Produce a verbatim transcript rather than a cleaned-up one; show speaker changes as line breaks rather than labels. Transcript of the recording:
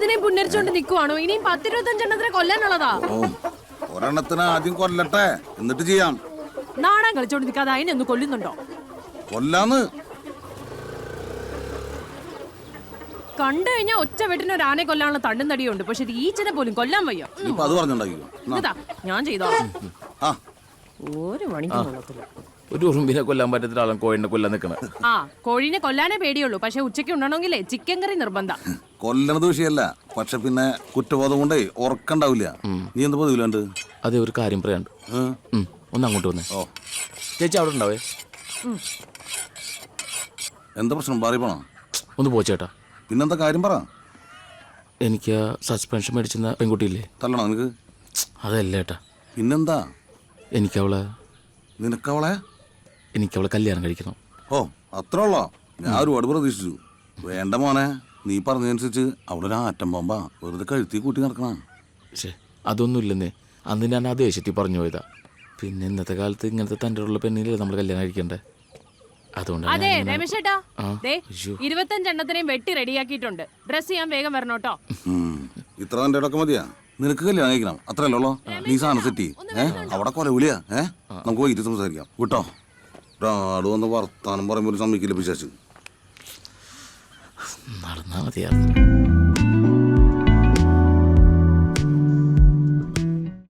ഒന്നിനെയും പുന്നരിച്ചോണ്ട് നിക്കുവാണോ? ഇനിയും പത്തിരുപത്തഞ്ചെണ്ണത്തിനെ കൊല്ലാനുള്ളതാ.
ഒരെണ്ണത്തിന് ആദ്യം കൊല്ലട്ടെ, എന്നിട്ട് ചെയ്യാം.
നാടൻ കളിച്ചോണ്ട് നിൽക്കാതെ അതിനെ ഒന്ന് കൊല്ലുന്നുണ്ടോ?
കൊല്ലാന്ന്
കണ്ടു കഴിഞ്ഞാൽ ഒറ്റ വെട്ടിന് ഒരു ആനെ കൊല്ലാനുള്ള തണ്ടും തടിയുണ്ട്. പക്ഷെ ഈച്ചനെ പോലും കൊല്ലാൻ വയ്യ.
അത് പറഞ്ഞുണ്ടാക്കിയോ?
ഞാൻ ചെയ്തോളാം.
ആ
ഒരു മണിക്കൂർ കൊള്ളത്തില്ല.
ഒരു ഉറുമ്പിനെ കൊല്ലാൻ പറ്റത്തില്ല, ആളും കോഴിനെ കൊല്ലാൻ നിൽക്കണ.
ആ കോഴിനെ കൊല്ലാനേ പേടിയുള്ളൂ. പക്ഷെ ഉച്ചയ്ക്ക് ഉണ്ടണമെങ്കിലേ ചിക്കൻ കറി നിർബന്ധം.
കൊല്ലണത് വിഷയമല്ല, പക്ഷെ പിന്നെ കുറ്റബോധം കൊണ്ടേ ഉറക്കണ്ടാവില്ല. നീ എന്ത് പതിവില്ലാണ്ട്?
അതെ, ഒരു കാര്യം പറയാണ്ട്. ഒന്ന് അങ്ങോട്ട് വന്നേ.
ഓ
ചേച്ചി അവിടെ ഉണ്ടാവേ.
എന്താ പ്രശ്നം? പാറി പോണോ?
ഒന്ന് പോ ചേട്ടാ.
പിന്നെന്താ കാര്യം പറ.
എനിക്ക് സസ്പെൻഷൻ മേടിച്ചെന്ന പെൺകുട്ടിയില്ലേ?
തല്ലണോ നിനക്ക്?
അതല്ല ഏട്ടാ.
പിന്നെന്താ?
എനിക്കവളെ
നിനക്കവളെ
എനിക്കവളെ കല്യാണം കഴിക്കണം.
ഓ അത്ര ഉള്ളോ? ഞാൻ ഒരുപാട് പ്രതീക്ഷിച്ചു. വേണ്ട മോനെ, നീ പറഞ്ഞതനുസരിച്ച് അവിടെ ഒരു ആറ്റം ബോംബാ വെറുതെ കഴുത്തി കൂട്ടി നടക്കണ.
പക്ഷേ അതൊന്നും ഇല്ലെന്നേ. അന്ന് ഞാൻ ആ ദേഷ്യത്തിൽ പറഞ്ഞു പോയതാ. പിന്നെ ഇന്നത്തെ കാലത്ത് ഇങ്ങനത്തെ തൻ്റെ ഉള്ള പെണ്ണിലല്ലേ നമ്മൾ കല്യാണം കഴിക്കണ്ടേ?
അതെ രമേശ് ചേട്ടാ, ഇരുപത്തഞ്ചെണ്ണത്തിനെയും വെട്ടി റെഡിയാക്കിയിട്ടുണ്ട്. ഡ്രസ് ചെയ്യാൻ വേഗം വരണോട്ടോ.
ഇത്ര തന്റെ ഇടക്ക് മതിയാ? നിനക്ക് കല്യാണം കഴിക്കണം അത്രയല്ലോ? നീ സാധനം സെറ്റ് ഏഹ് അവിടെ കൊലവിളിയാ. ഏഹ് നമുക്ക് വൈകിട്ട് സംസാരിക്കാം വിട്ടോ. ഒരാട് വന്ന് വർത്താനം പറയുമ്പോൾ സമ്മതിക്കില്ല പിശാച്.
നടന്നാ മതിയായിരുന്നു.